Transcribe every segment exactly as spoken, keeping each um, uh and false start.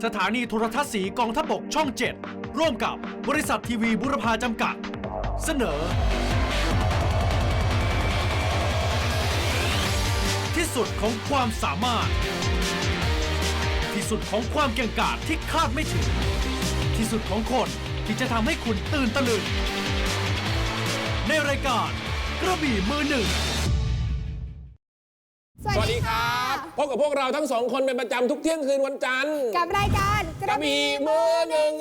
สถานีโทรทัศน์สีกองทัพบกช่องเจ็ดร่วมกับบริษัททีวีบุรพาจำกัดเสนอที่สุดของความสามารถที่สุดของความเก่งกาจที่คาดไม่ถึงที่สุดของคนที่จะทำให้คุณตื่นตะลึงในรายการกระบี่มือหนึ่งสวัสดีครับพบกับพวกเราทั้งสองคนเป็นประจำทุกเที่ยงคืนวันจันทร์กับรายการกระบี่มือหนึ่ง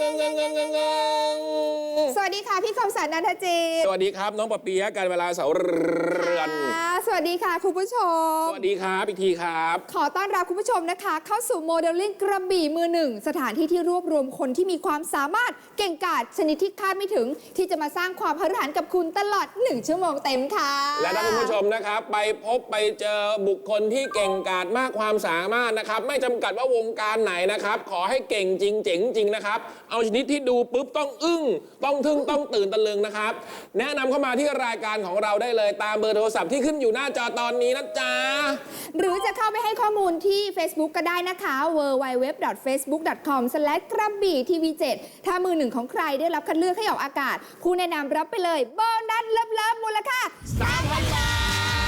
สวัสดีค่ะพี่คมสันต์ นันทจิตสวัสดีครับน้องปะเปียะการเวลาเสาเรือนสวัสดีค่ะคุณผู้ชมสวัสดีครับอีกทีครับขอต้อนรับคุณผู้ชมนะคะเข้าสู่โมเดลลิ่งกระบี่มือหนึ่งสถานที่ที่รวบรวมคนที่มีความสามารถเก่งกาจชนิดที่คาดไม่ถึงที่จะมาสร้างความพฤหันกับคุณตลอดหนึ่งชั่วโมงเต็มค่ะและท่านผู้ชมนะครับไปพบไปเจอบุคคลที่เก่งกาจมากความสามารถนะครับไม่จำกัดว่าวงการไหนนะครับขอให้เก่งจริงเจ๋งจริงนะครับเอาชนิดที่ดูปุ๊บต้องอึ้งต้องทึ่งต้องตื่นตะลึงนะครับแนะนำเข้ามาที่รายการของเราได้เลยตามเบอร์โทรศัพท์ที่ขึ้นอยู่หน้าจอตอนนี้นะจ๊ะหรือจะเข้าไปให้ข้อมูลที่ Facebook ก็ได้นะคะ ดับเบิลยู ดับเบิลยู ดับเบิลยู ดอท เฟซบุ๊ก ดอท คอม สแลช กระบี่ทีวีเจ็ดถ้ามือหนึ่งของใครได้รับคัดเลือกให้ออกอากาศผู้แนะนำรับไปเลยโบนัสเลิฟๆมูลค่าสามพัน บาท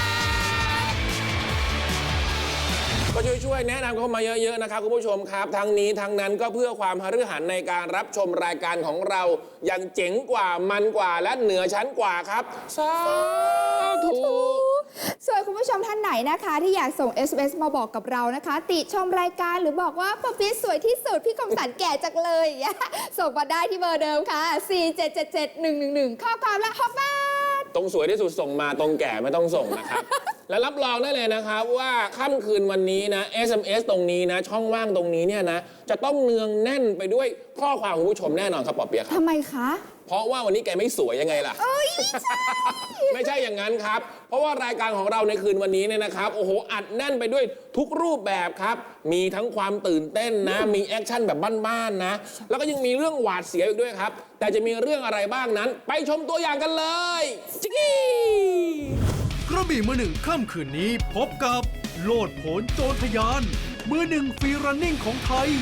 ก็ช่วยๆแนะนำเข้ามาเยอะๆนะครับคุณผู้ชมครับทั้งนี้ทั้งนั้นก็เพื่อความหฤหันในการรับชมรายการของเราอย่างเจ๋งกว่ามันกว่าและเหนือชั้นกว่าครับสาธุส่วนคุณผู้ชมท่านไหนนะคะที่อยากส่ง เอส เอ็ม เอส มาบอกกับเรานะคะติชมรายการหรือบอกว่าปะปิ๊ดสวยที่สุดพี่คมสันแก่จังเลยส่งมาได้ที่เบอร์เดิมค่ะสี่ เจ็ด เจ็ด เจ็ด หนึ่ง หนึ่ง หนึ่งข้อความละหกบาทตรงสวยที่สุดส่งมาตรงแก่ไม่ต้องส่งนะครับ และรับรองได้เลยนะครับว่าค่ำคืนวันนี้นะ เอส เอ็ม เอส ตรงนี้นะช่องว่างตรงนี้เนี่ยนะจะต้องเนืองแน่นไปด้วยข้อความคุณผู้ชมแน่นอนครับปอเปียะครับทำไมคะเพราะว่าวันนี้แกไม่สวยยังไงล่ะ ไม่ใช่อย่างนั้นครับเพราะว่ารายการของเราในคืนวันนี้เนี่ยนะครับโอ้โหอัดแน่นไปด้วยทุกรูปแบบครับมีทั้งความตื่นเต้นนะมีแอคชั่นแบบบ้านๆนะแล้วก็ยังมีเรื่องหวาดเสียวอีกด้วยครับแต่จะมีเรื่องอะไรบ้างนั้นไปชมตัวอย่างกันเลยจิ๊กกี้กระบี่มือหนึ่งค่ำคืนนี้พบกับโลดโผนโจรทยานมือหนึ่งฟรีรันนิ่งของไทย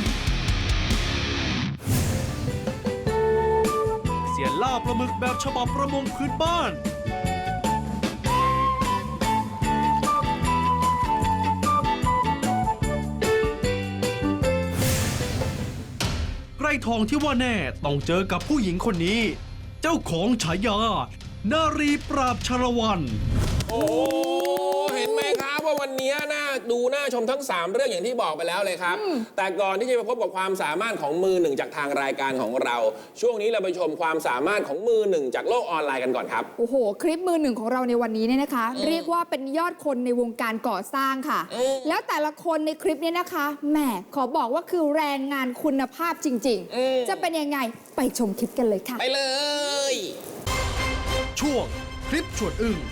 เสียล่าปลาหมึกแบบฉบับประมงพื้นบ้านไกรทองที่ว่าแน่ต้องเจอกับผู้หญิงคนนี้เจ้าของฉายานารีปราบชรวันโอ้เห็นไหมครับว่าวันนี้น่าดูน่าชมทั้งสามเรื่องอย่างที่บอกไปแล้วเลยครับแต่ก่อนที่จะไปพบกับความสามารถของมือหนึ่งจากทางรายการของเราช่วงนี้เราไปชมความสามารถของมือหนึ่งจากโลกออนไลน์กันก่อนครับโอ้โหคลิปมือหนึ่งของเราในวันนี้เนี่ยนะคะเรียกว่าเป็นยอดคนในวงการก่อสร้างค่ะแล้วแต่ละคนในคลิปนี้นะคะแหมขอบอกว่าคือแรงงานคุณภาพจริงๆจะเป็นยังไงไปชมคลิปกันเลยค่ะไปเลยช่วงคลิปชวนอึ้ง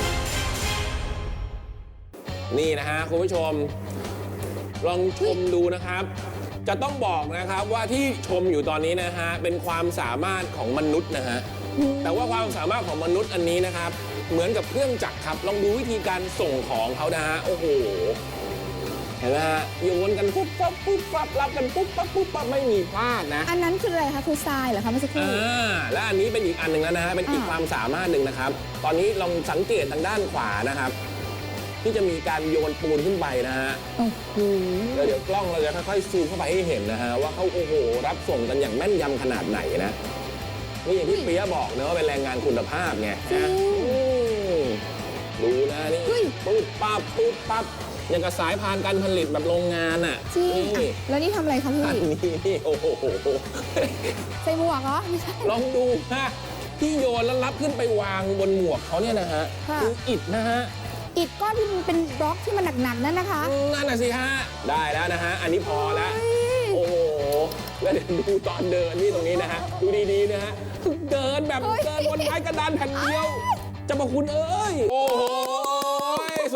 นี่นะฮะคุณผู้ชมลองชมดูนะครับจะต้องบอกนะครับว่าที่ชมอยู่ตอนนี้นะฮะเป็นความสามารถของมนุษย์นะฮะแต่ว่าความสามารถของมนุษย์อันนี้นะครับเหมือนกับเครื่องจักรครับลองดูวิธีการส่งของเขานะฮะโอ้โหเห็นไหมฮะโยนกันปุ๊บปั๊บปุ๊บปั๊บรับกันปุ๊บปั๊บปุ๊บปั๊บไม่มีพลาดนะอันนั้นคืออะไรคะคือทรายเหรอคะเมื่อสักครู่อ่าและอันนี้เป็นอีกอันหนึ่งแล้วนะฮะเป็นอีกความสามารถหนึ่งนะครับตอนนี้ลองสังเกตทางด้านขวานะครับที่จะมีการโยนปูนขึ้นไปนะฮะแล้วเดี๋ยวกล้องเราจะค่อยๆซูมเข้าไปให้เห็นนะฮะว่าเขาโอ้โหรับส่งกันอย่างแม่นยำขนาดไหนนะนี่อย่างที่เปียบอกนะว่าเป็นแรงงานคุณภาพไงนะดูนะนี่ปุ๊บปั๊บปุ๊บปั๊บอย่างกับสายพานการผลิตแบบโรงงานอ่ะจริงแล้วนี่ทำอะไรคะพี่อันนี้นี่โอ้โหใส่หมวกเหรอลองดูฮะที่โยนแล้วรับขึ้นไปวางบนหมวกเขาเนี่ยนะฮะคืออิฐนะฮะอิฐก้อนที่มันเป็นบล็อกที่มันหนักๆนั่นนะคะนั่นน่ะสิฮะได้แล้วนะฮะอันนี้พอแล้วโอ้โหแล้วเดี๋ยวดูตอนเดินนี่ตรงนี้นะฮะดูดีๆนะฮะเดินแบบเดินบนไม้กระดานแผ่นเดียวจะมาคุณเอ้ยโอ้โหสุดยอดจ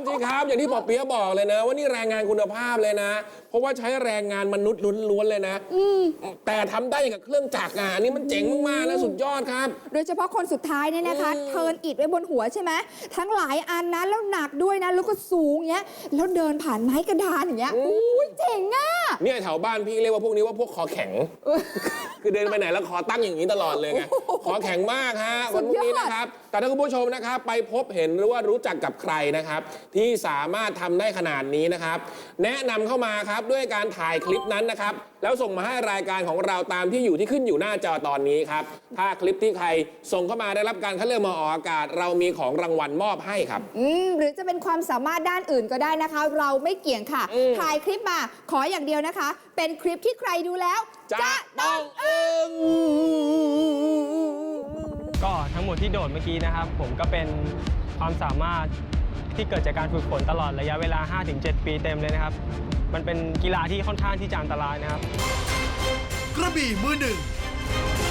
สิครับอย่างที่ปอเปี๊ยะบอกเลยนะว่านี่แรงงานคุณภาพเลยนะ เพราะว่าใช้แรงงานมนุษย์ล้วนๆเลยนะแต่ทำได้อย่างกับเครื่องจักรอ่ะอันนี้มันเจ๋งมากๆนะสุดยอดครับโดยเฉพาะคนสุดท้ายเนี่ยนะคะ เทิร์นอิฐไว้บนหัวใช่ไหมทั้งหลายอันนะแล้วหนักด้วยนะแล้วก็สูงเงี้ยแล้วเดินผ่านไม้กระดานอย่างเงี้ยอุ้ยเจ๋งอ่ะเนี่ยแถวบ้านพี่เรียกว่าพวกนี้ว่าพวกคอแข็ง คือเดินไปไหนแล้วคอตั้งอย่างนี้ตลอดเลยไงคอแข็งมากฮะวันพรุ่งนี้นะครับแต่ถ้าคุณผู้ชมนะครับไปพบเห็นหรือว่ารู้จักกับใครนะครับ ที่สามารถทำได้ขนาดนี้นะครับ แนะนำเข้ามาครับด้วยการถ่ายคลิปนั้นนะครับแล้วส่งมาให้รายการของเราตามที่อยู่ที่ขึ้นอยู่หน้าจอตอนนี้ครับถ้าคลิปที่ใครส่งเข้ามาได้รับการคัดเลือกมาออกอากาศ เรามีของรางวัลมอบให้ครับอืมหรือจะเป็นความสามารถด้านอื่นก็ได้นะคะ เราไม่เกี่ยงค่ะ ถ่ายคลิปมาขออย่างเดียวนะคะ เป็นคลิปที่ใครดูแล้วจะต้องอึ้งก็ทั้งหมดที่โดดเมื่อกี้นะครับ ผมก็เป็นความสามารถที่เกิดจากการฝึกฝนตลอดระยะเวลา ห้าถึงเจ็ด ปีเต็มเลยนะครับ มันเป็นกีฬาที่ค่อนข้างที่จะอันตรายนะครับกระบี่มือหนึ่ง